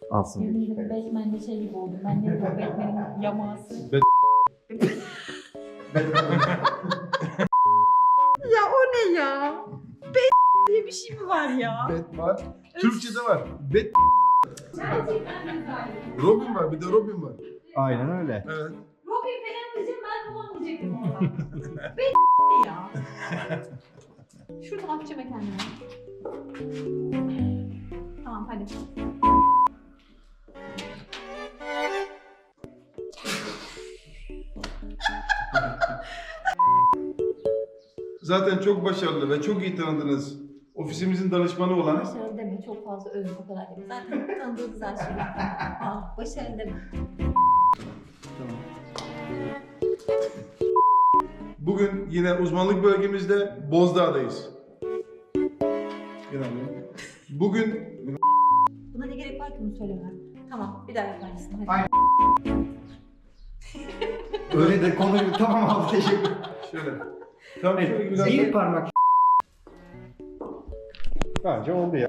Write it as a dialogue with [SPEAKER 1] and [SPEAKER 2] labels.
[SPEAKER 1] Alsın.
[SPEAKER 2] Yemin ederim Batman'de şey gibi oldum. Ben ne bu Batman'in yaması. Ya o ne ya? Diye bir şey mi var ya?
[SPEAKER 3] Bet var. Türkçe'de var. Bet.
[SPEAKER 2] Gerçekten güzel.
[SPEAKER 3] Robin var. Bir de Robin var.
[SPEAKER 1] Aynen öyle.
[SPEAKER 3] Evet.
[SPEAKER 2] Robin falan diyeceğim ben tamam diyecektim orada. Ne ya? Şuradan atacağım kendime. Tamam hadi.
[SPEAKER 3] Zaten çok başarılı ve çok iyi tanıdınız. Ofisimizin danışmanı olan
[SPEAKER 2] Başarılı deme çok fazla övün o kadar deme. Zaten tanıdığı güzel şeyler. Aa, başarılı deme.
[SPEAKER 3] bugün yine uzmanlık bölgemizde Bozdağ'dayız. Bugün
[SPEAKER 2] Buna ne gerek var ki bunu söylemem. Tamam bir daha yapar mısın? Hadi.
[SPEAKER 1] Aynen. Öyle de konuyu tamam abi teşekkür.
[SPEAKER 3] şöyle. Tam şöyle
[SPEAKER 1] Evet,
[SPEAKER 3] biraz
[SPEAKER 1] bir parmak. Bence oldu ya.